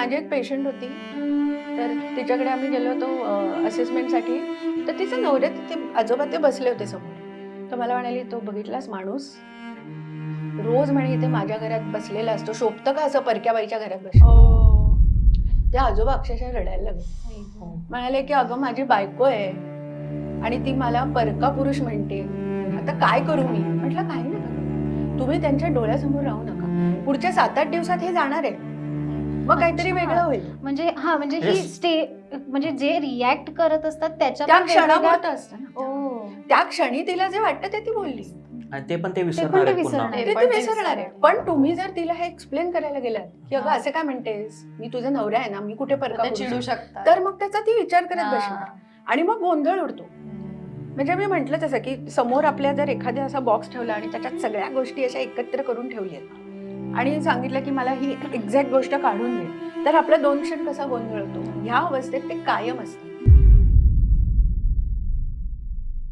माझी एक पेशंट होती, तर तिच्याकडे आम्ही गेलो होतो असेसमेंटसाठी. तर तिचं नवऱ्या तिथे आजोबा ते बसले होते समोर. तर मला म्हणाली, तो बघितलास माणूस रोज म्हणे इथे माझ्या घरात बसलेला असतो, शोभतं का असं परक्या बाईच्या घरात बसतो. ते आजोबा अक्षरशः रडायला लागले. म्हणाले की अगं माझी बायको आहे आणि ती मला परका पुरुष म्हणते, आता काय करू मी. म्हटलं काही नका करू, तुम्ही त्यांच्या डोळ्यासमोर राहू नका. पुढच्या 7-8 दिवसात हे जाणार आहे, मग काहीतरी वेगळं होईल. म्हणजे म्हणजे ही म्हणजे जे रिॲक्ट करत असतात त्याच्या त्या क्षणापुरतं असतं ना. ओ त्या क्षणी तिला जे वाटतं ते ती बोलली, आणि ते पण ते ते विसरणार आहे विसरणार पुन्हा. आहे. ते ती विसरणार आहे. पण तुम्ही जर तिला हे एक्सप्लेन करायला गेलात की अगं असं काय म्हणतेस, मी तुझा नवरा आहे ना, मी कुठे परका पुरुष चिडू आहे, शकतात. तर मग त्याचा ती विचार करत बसणार आणि मग गोंधळ उडतो. म्हणजे मी म्हटलं तसं की समोर आपल्या जर एखाद्या असा बॉक्स ठेवला आणि त्याच्यात सगळ्या गोष्टी अशा एकत्र करून ठेवल्यात आणि सांगितलं की मला ही एक्झॅक्ट गोष्ट काढून दे, तर आपला 2 क्षण कसा गोंधळ होतो, ह्या अवस्थेत ते कायम असतं.